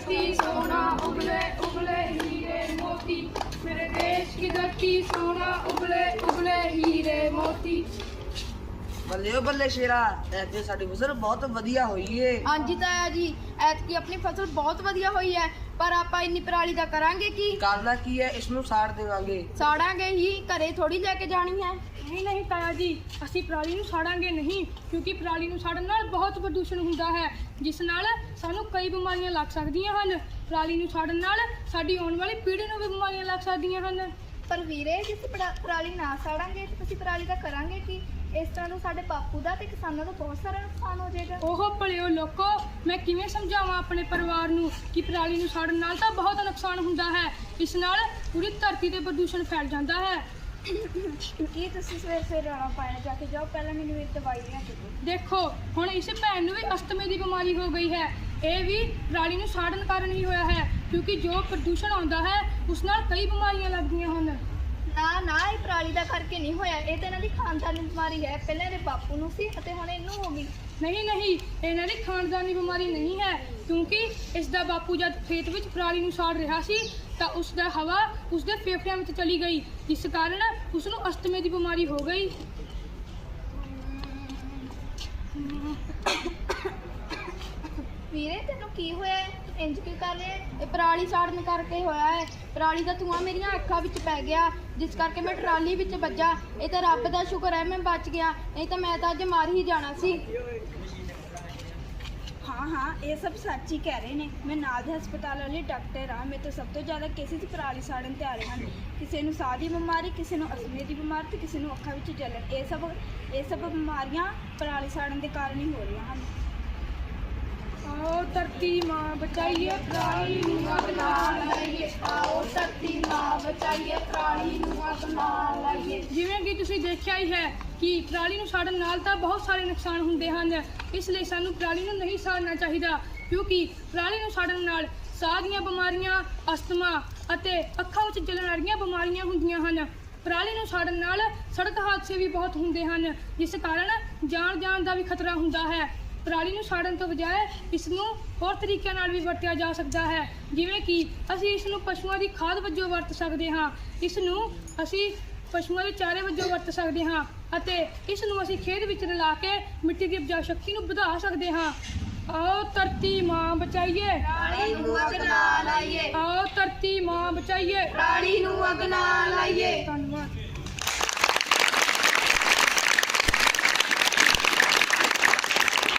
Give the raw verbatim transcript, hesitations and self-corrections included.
धरती सोना उगले उगले हीरे मोती, मेरे देश की धरती सोना उगले उगले हीरे मोती। ਬੱਲੇ ਓ ਬੱਲੇ ਸ਼ੇਰਾ, ਐਤਕੀ ਸਾਡੀ ਫਸਲ ਬਹੁਤ ਵਧੀਆ ਹੋਈ ਏ। ਹਾਂਜੀ ਤਾਇਆ ਜੀ, ਐਤਕੀ ਆਪਣੀ ਫਸਲ ਬਹੁਤ ਵਧੀਆ ਹੋਈ ਹੈ, ਪਰ ਆਪਾਂ ਇੰਨੀ ਪਰਾਲੀ ਦਾ ਕਰਾਂਗੇ ਕੀ? ਕਰਨਾ ਕੀ ਹੈ, ਇਸ ਨੂੰ ਸਾੜ ਦੇਵਾਂਗੇ। ਸਾੜਾਂਗੇ ਹੀ, ਘਰੇ ਥੋੜੀ ਲੈ ਕੇ ਜਾਣੀ ਹੈ। ਨਹੀਂ ਨਹੀਂ ਤਾਇਆ ਜੀ, ਅਸੀਂ ਪਰਾਲੀ ਨੂੰ ਸਾੜਾਂਗੇ ਨਹੀਂ, ਕਿਉਂਕਿ ਪਰਾਲੀ ਨੂੰ ਸਾੜਨ ਨਾਲ ਬਹੁਤ ਪ੍ਰਦੂਸ਼ਣ ਹੁੰਦਾ ਹੈ, ਜਿਸ ਨਾਲ ਸਾਨੂੰ ਕਈ ਬਿਮਾਰੀਆਂ ਲੱਗ ਸਕਦੀਆਂ ਹਨ। ਪਰਾਲੀ ਨੂੰ ਸਾੜਨ ਨਾਲ ਸਾਡੀ ਆਉਣ ਵਾਲੀ ਪੀੜ੍ਹੀ ਨੂੰ ਵੀ ਬਿਮਾਰੀਆਂ ਲੱਗ ਸਕਦੀਆਂ ਹਨ। ਪਰ ਵੀਰੇ, ਜੇ ਅਸੀਂ ਪਰਾ- ਪਰਾਲੀ ਨਾ ਸਾੜਾਂਗੇ ਤਾਂ ਅਸੀਂ ਪਰਾਲੀ ਦਾ ਕਰਾਂਗੇ ਕੀ? ਇਸ ਤਰ੍ਹਾਂ ਨੂੰ ਸਾਡੇ ਬਾਪੂ ਦਾ ਤੇ ਕਿਸਾਨਾਂ ਦਾ ਬਹੁਤ ਸਾਰਾ ਨੁਕਸਾਨ ਹੋ ਜਾਏਗਾ। ਉਹ ਭਲਿਓ ਲੋਕੋ, ਮੈਂ ਕਿਵੇਂ ਸਮਝਾਵਾਂ ਆਪਣੇ ਪਰਿਵਾਰ ਨੂੰ ਕਿ ਪਰਾਲੀ ਨੂੰ ਸਾੜਨ ਨਾਲ ਤਾਂ ਬਹੁਤ ਨੁਕਸਾਨ ਹੁੰਦਾ ਹੈ। ਇਸ ਨਾਲ ਪੂਰੀ ਧਰਤੀ ਤੇ ਪ੍ਰਦੂਸ਼ਣ ਫੈਲ ਜਾਂਦਾ ਹੈ। ਕੀ ਤੁਸੀਂ ਸਵੇਰ ਸਵੇਰ ਰੌਲਾ ਪਾਇਆ? ਜਾ ਕੇ ਜਾਓ, ਪਹਿਲਾਂ ਮੈਨੂੰ ਇੱਕ ਦਵਾਈ ਲੈ ਕੇ ਦਿਓ। ਦੇਖੋ, ਹੁਣ ਇਸ ਭੈਣ ਨੂੰ ਵੀ ਅਸਥਮੇ ਦੀ ਬਿਮਾਰੀ ਹੋ ਗਈ ਹੈ। ਇਹ ਵੀ ਪਰਾਲੀ ਨੂੰ ਸਾੜਨ ਕਾਰਨ ਹੀ ਹੋਇਆ ਹੈ, ਕਿਉਂਕਿ ਜੋ ਪ੍ਰਦੂਸ਼ਣ ਆਉਂਦਾ ਹੈ ਉਸ ਨਾਲ ਕਈ ਬਿਮਾਰੀਆਂ ਲੱਗਦੀਆਂ ਹਨ। ਨਾ ਨਾ, ਇਹ ਪਰਾਲੀ ਦਾ ਕਰਕੇ ਨਹੀਂ ਹੋਇਆ, ਇਹ ਤਾਂ ਇਹਨਾਂ ਦੀ ਖਾਨਦਾਨੀ ਬਿਮਾਰੀ ਹੈ। ਪਹਿਲਾਂ ਇਹਦੇ ਬਾਪੂ ਨੂੰ ਸੀ ਅਤੇ ਹੁਣ ਇਹਨੂੰ ਹੋ ਗਈ। ਨਹੀਂ ਨਹੀਂ, ਇਹਨਾਂ ਦੀ ਖਾਨਦਾਨੀ ਬਿਮਾਰੀ ਨਹੀਂ ਹੈ, ਕਿਉਂਕਿ ਇਸ ਦਾ ਬਾਪੂ ਜਦ ਖੇਤ ਵਿੱਚ ਪਰਾਲੀ ਨੂੰ ਸਾੜ ਰਿਹਾ ਸੀ ਤਾਂ ਉਸ ਦਾ ਹਵਾ ਉਸ ਦੇ ਫੇਫੜਿਆਂ ਵਿੱਚ ਚਲੀ ਗਈ, ਜਿਸ ਕਾਰਨ ਉਸ ਨੂੰ ਅਸਥਮੇ ਦੀ ਬਿਮਾਰੀ ਹੋ ਗਈ। ਵੀਰੇ, ਤੈਨੂੰ ਕੀ ਹੋਇਆ ਹੈ? ਇੰਜ ਕੀ ਕਰ ਰਿਹਾ ਹੈ? ਇਹ ਪਰਾਲੀ ਸਾੜਨ ਕਰਕੇ ਹੋਇਆ ਹੈ। ਪਰਾਲੀ ਦਾ ਧੂੰਆਂ ਮੇਰੀਆਂ ਅੱਖਾਂ ਵਿੱਚ ਪੈ ਗਿਆ, ਜਿਸ ਕਰਕੇ ਮੈਂ ਟਰਾਲੀ ਵਿੱਚ ਵੱਜਾ। ਇਹ ਤਾਂ ਰੱਬ ਦਾ ਸ਼ੁਕਰ ਹੈ ਮੈਂ ਬਚ ਗਿਆ, ਨਹੀਂ ਤਾਂ ਮੈਂ ਤਾਂ ਅੱਜ ਮਰ ਹੀ ਜਾਣਾ ਸੀ। हाँ हाँ, ये सब सच ही कह रहे ने। मैं नाल दे हस्पताल वाली डॉक्टर हाँ। मैं तो सब तो ज़्यादा केसेस पराली साड़न ते आ रहे हैं। किसी नूं साह दी बीमारी, किसी नूं अस्थमे दी बीमारी ते किसी नूं अखां विच जलन। ये सब ये सब बीमारियां पराली साड़न के कारण ही हो रही हैं। आओ धरती माँ बचाइए पराली नूं अग ना लाइए, आओ धरती माँ बचाइए पराली नूं अग ना लाइए। ਜਿਵੇਂ ਕਿ ਤੁਸੀਂ ਦੇਖਿਆ ਹੀ ਹੈ ਕਿ ਪਰਾਲੀ ਨੂੰ ਸਾੜਨ ਨਾਲ ਤਾਂ ਬਹੁਤ ਸਾਰੇ ਨੁਕਸਾਨ ਹੁੰਦੇ ਹਨ, ਇਸ ਲਈ ਸਾਨੂੰ ਪਰਾਲੀ ਨੂੰ ਨਹੀਂ ਸਾੜਨਾ ਚਾਹੀਦਾ, ਕਿਉਂਕਿ ਪਰਾਲੀ ਨੂੰ ਸਾੜਨ ਨਾਲ ਸਾਹ ਦੀਆਂ ਬਿਮਾਰੀਆਂ, ਅਸਥਮਾ ਅਤੇ ਅੱਖਾਂ ਵਿੱਚ ਜਲਣ ਵਾਲੀਆਂ ਬਿਮਾਰੀਆਂ ਹੁੰਦੀਆਂ ਹਨ। ਪਰਾਲੀ ਨੂੰ ਸਾੜਨ ਨਾਲ ਸੜਕ ਹਾਦਸੇ ਵੀ ਬਹੁਤ ਹੁੰਦੇ ਹਨ, ਜਿਸ ਕਾਰਨ ਜਾਨ ਜਾਨ ਦਾ ਵੀ ਖਤਰਾ ਹੁੰਦਾ ਹੈ। ਪਰਾਲੀ ਨੂੰ ਸਾੜਨ ਤੋਂ ਬਜਾਏ ਇਸ ਨੂੰ ਹੋਰ ਤਰੀਕਿਆਂ ਨਾਲ ਵੀ ਵਰਤਿਆ ਜਾ ਸਕਦਾ ਹੈ, ਜਿਵੇਂ ਕਿ ਅਸੀਂ ਇਸ ਨੂੰ ਪਸ਼ੂਆਂ ਦੀ ਖਾਦ ਵਜੋਂ ਵਰਤ ਸਕਦੇ ਹਾਂ। ਇਸ ਨੂੰ ਅਸੀਂ ਪਸ਼ੂਆਂ ਦੇ ਚਾਰੇ ਵਜੋਂ ਵਰਤ ਸਕਦੇ ਹਾਂ ਅਤੇ ਇਸ ਨੂੰ ਅਸੀਂ ਖੇਤ ਵਿੱਚ ਰਲਾ ਕੇ ਮਿੱਟੀ ਦੀ ਉਪਜਾਊ ਸ਼ਕਤੀ ਨੂੰ ਵਧਾ ਸਕਦੇ ਹਾਂ। आओ धरती माँ बचाइए ਪਰਾਲੀ ਨੂੰ ਅੱਗ ਨਾ ਲਾਈਏ, आओ धरती माँ बचाइए ਪਰਾਲੀ ਨੂੰ ਅੱਗ ਨਾ ਲਾਈਏ। धन्यवाद।